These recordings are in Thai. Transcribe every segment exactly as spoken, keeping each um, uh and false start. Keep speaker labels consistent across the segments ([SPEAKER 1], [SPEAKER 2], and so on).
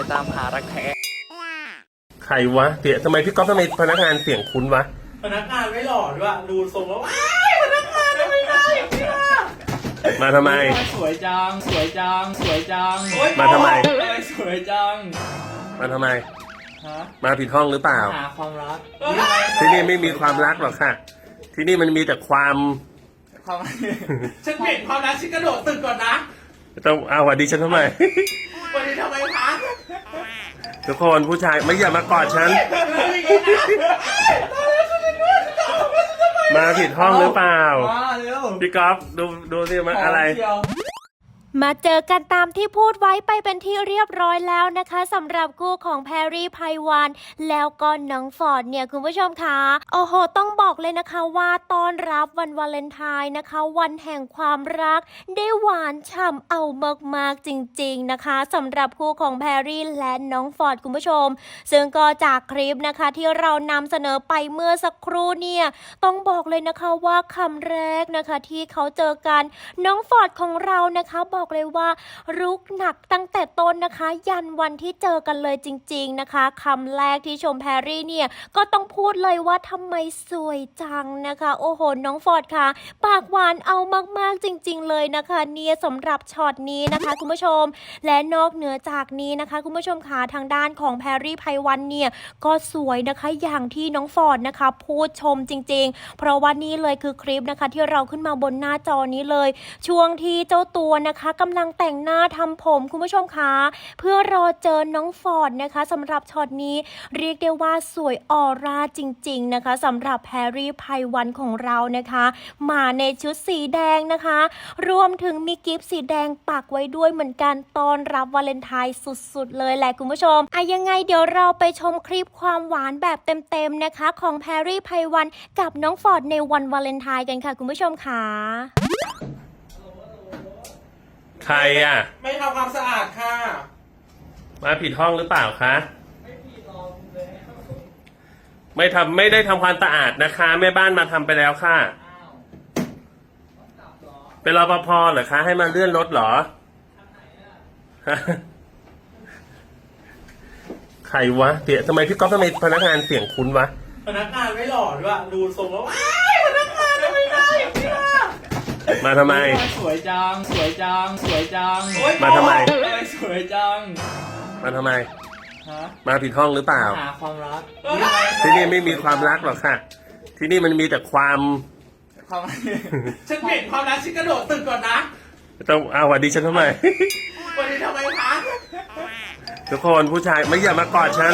[SPEAKER 1] ตามหารักแท้
[SPEAKER 2] ใครวะเดี๋ยวทำไมพี่ก๊อฟทำไมพนักงานเสียงคุ้นวะ
[SPEAKER 3] พนักงานไม่หล่อด้วยดูทรงแล้วว้ายพนักงานทำไมได้เนี่ย
[SPEAKER 2] มาทำไม
[SPEAKER 1] สวยจังสวยจังสวยจัง
[SPEAKER 2] มาทำไม
[SPEAKER 1] สวยจัง
[SPEAKER 2] มาทำไม
[SPEAKER 1] ฮะ
[SPEAKER 2] มาผิดห้องหรือเปล่า
[SPEAKER 1] หาความรัก
[SPEAKER 2] ที่นี่ไม่มีความรักหรอกค่ะที่นี่มันมีแต่ความ
[SPEAKER 1] ความ
[SPEAKER 3] ฉันเปลี่ยนความรักฉันกระโดดตึกก่อนนะ
[SPEAKER 2] ต้องเอาวัดดีฉันทำไม
[SPEAKER 3] วันนี้ทำไมคะ
[SPEAKER 2] ทุกคนผู้ชายไม่อย่ามากอดฉันมาผิดห้องหรือเปล่าพี่ก๊อฟดูดูสิมันอะไร
[SPEAKER 4] มาเจอกันตามที่พูดไว้ไปเป็นที่เรียบร้อยแล้วนะคะสำหรับคู่ของแพรรี่ไพวันแล้วก็น้องฟอร์ดเนี่ยคุณผู้ชมคะโอ้โหต้องบอกเลยนะคะว่าต้อนรับวันวาเลนไทน์นะคะวันแห่งความรักได้หวานฉ่ำเอามากๆจริงๆนะคะสำหรับคู่ของแพรรี่และน้องฟอร์ดคุณผู้ชมซึ่งก็จากคลิปนะคะที่เรานำเสนอไปเมื่อสักครู่เนี่ยต้องบอกเลยนะคะว่าคำแรกนะคะที่เขาเจอกันน้องฟอร์ดของเรานะคะบอกเลยว่ารุกหนักตั้งแต่ต้นนะคะยันวันที่เจอกันเลยจริงๆนะคะคำแรกที่ชมแพรรี่เนี่ยก็ต้องพูดเลยว่าทำไมสวยจังนะคะโอ้โหน้องฟอร์ดค่ะปากหวานเอามากๆจริงๆเลยนะคะเนี่ยสำหรับช็อตนี้นะคะคุณผู้ชมและนอกเหนือจากนี้นะคะคุณผู้ชมค่ะทางด้านของแพรรี่ไพวันเนี่ยก็สวยนะคะอย่างที่น้องฟอร์ดนะคะพูดชมจริงๆเพราะว่านี่เลยคือคลิปนะคะที่เราขึ้นมาบนหน้าจอนี้เลยช่วงที่เจ้าตัวนะคะกำลังแต่งหน้าทำผมคุณผู้ชมคะเพื่อรอเจอน้องฟอร์ดนะคะสำหรับช็อตนี้เรียกได้ว่าสวยออร่าจริงๆนะคะสำหรับแพรรี่ไพวันของเรานะคะมาในชุดสีแดงนะคะรวมถึงมีกิฟต์สีแดงปักไว้ด้วยเหมือนกันต้อนรับวาเลนไทน์สุดๆเลยแหละคุณผู้ชมอ่ะยังไงเดี๋ยวเราไปชมคลิปความหวานแบบเต็มๆนะคะของแพรรี่ไพวันกับน้องฟอร์ดในวันวาเลนไทน์กันค่ะคุณผู้ชมค่ะ
[SPEAKER 2] ใครอ่ะ
[SPEAKER 3] ไม่ทำความสะอาดค่ะ
[SPEAKER 2] มาผิดห้องหรือเปล่าคะไม่ผิดหรอกไม่ทำไม่ได้ทำความสะอาดนะคะแม่บ้านมาทำไปแล้วค่ะเป็นรปภเหรอคะให้มาเลื่อนรถเหรอใครวะเดี๋ยวทำไมพี่ก๊อฟทำไมพนักงานเสียงคุ้นวะ
[SPEAKER 3] พนักงานไม่หล่อด้วยดูทรงแล้วว้ายพนักงานทำไมได้เนี่ย
[SPEAKER 2] มาทำไม
[SPEAKER 1] สวยจังสวยจังสวยจัง
[SPEAKER 2] มาทำไม
[SPEAKER 1] สวยจัง
[SPEAKER 2] มาทำไม
[SPEAKER 1] ฮะ
[SPEAKER 2] มาผิดห้องหรือเปล่า
[SPEAKER 1] หาความรัก
[SPEAKER 2] ที่นี่ไม่มีความรักหรอกค่ะที่นี่มันมีแต่ความ
[SPEAKER 1] ความ
[SPEAKER 3] ฉันเปลี่ยนความรักฉันกระโดดตึกก่อนนะ
[SPEAKER 2] ต้องเอาวัดดีฉันทำไม
[SPEAKER 3] วันนี้ทำไมคะ
[SPEAKER 2] ทุกคนผู้ชายไม่อย่ามากอดฉัน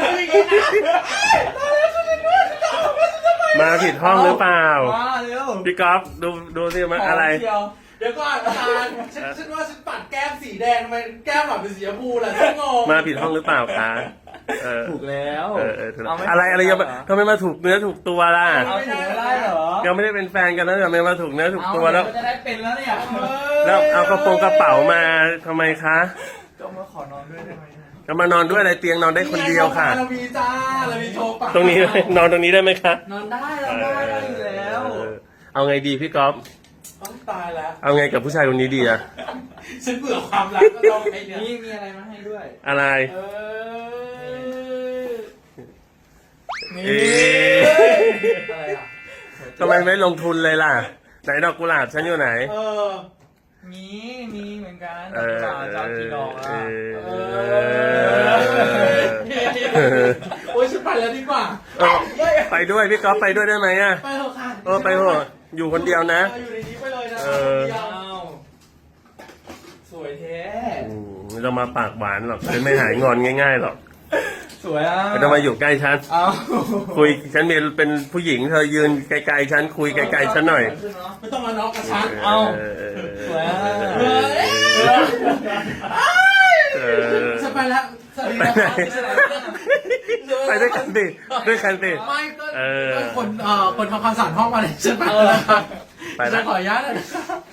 [SPEAKER 2] มาผิดห้องหรือเปล่าพี่ก๊อฟดูดูสิมันอะไร
[SPEAKER 3] เดี๋ยวก่อนอาจารย์ฉันฉันว่าฉันปัดแก้มสีแดงทำไมแก้มแบบเป็นสีชมพูล่ะฉันงง
[SPEAKER 2] มาผิดห้องหรือเปล่าคะ
[SPEAKER 1] ถูกแล้ว
[SPEAKER 2] อะไรอะไรยังทำไมมาถูกเนื้อถูกตัวล่ะ
[SPEAKER 1] เอาถูกไม่ได้เหรอ
[SPEAKER 2] ยังไม่ได้เป็นแฟนกันแล้วทำไมมาถูกเนื้อถูกตัวแล้ว
[SPEAKER 1] จะได้เป็นแล้วเนี่ย
[SPEAKER 2] แล้วเอากระโปรงกระเป๋ามาทำไมคะ
[SPEAKER 1] ก็มาขอนอนด้วยได้ไหม
[SPEAKER 2] จะมานอนด้วยอะไรเตียงนอนได้คนเดียวค่ะ
[SPEAKER 3] เรามีจ้าเรามีโชว์ปะ
[SPEAKER 2] ตรงนี้นอนตรงนี้ได้ไหมคะ
[SPEAKER 1] นอนได้เราได้ได้อยู่แล้ว
[SPEAKER 2] เอาไงดีพี่ก๊อฟ
[SPEAKER 3] ต้องตายแล้ว
[SPEAKER 2] เอาไงกับผู้ชายคนนี้ดีอะ
[SPEAKER 3] ฉันเบื่อความรักก็ต้องไอ้เนี่ย
[SPEAKER 1] นี่มีอะไรมาให้ด้วย
[SPEAKER 2] อะไร
[SPEAKER 3] นี่อะไรอ่ะ
[SPEAKER 2] ทำไมไม่ลงทุนเลยล่ะไหนดอกกุหลาบฉันอยู่ไหน
[SPEAKER 3] เออ
[SPEAKER 1] มีมีเหมือนกันดอกกุหลาบจะกี่ดอกอ่ะ
[SPEAKER 3] โอ้ยฉันไปแล้วดีกว่า
[SPEAKER 2] ไปด้วยพี่ก๊อฟไปด้วยได้ไหมอ่ะ
[SPEAKER 3] ไปเถอะค่ะ
[SPEAKER 2] เออไปเถอะอยู่คนเดียวนะ
[SPEAKER 3] อยู่ในนี้ไปเลยนะสวยแท้
[SPEAKER 2] ไม่ต้องมาปากหวานหรอกฉันไม่หายงอนง่ายๆหรอก
[SPEAKER 1] สวยอ่ะ
[SPEAKER 2] ไม่ต้องมาอยู่ใกล้ฉันคุยฉันเป็นผู้หญิงเธอยืนไกลๆฉันคุยไกลๆฉันหน่อย
[SPEAKER 3] ไม่ต้องมาน็อกกับฉัน
[SPEAKER 1] เอาสวย
[SPEAKER 3] ฉันไปแล้ว
[SPEAKER 2] ไปด้วยกันดิด้วยกันดิ
[SPEAKER 3] ไม่ก็คนเอ่อคนทำความสะอาดห้องมาเลยฉันไปแล้วฉันขออนุญาตเลย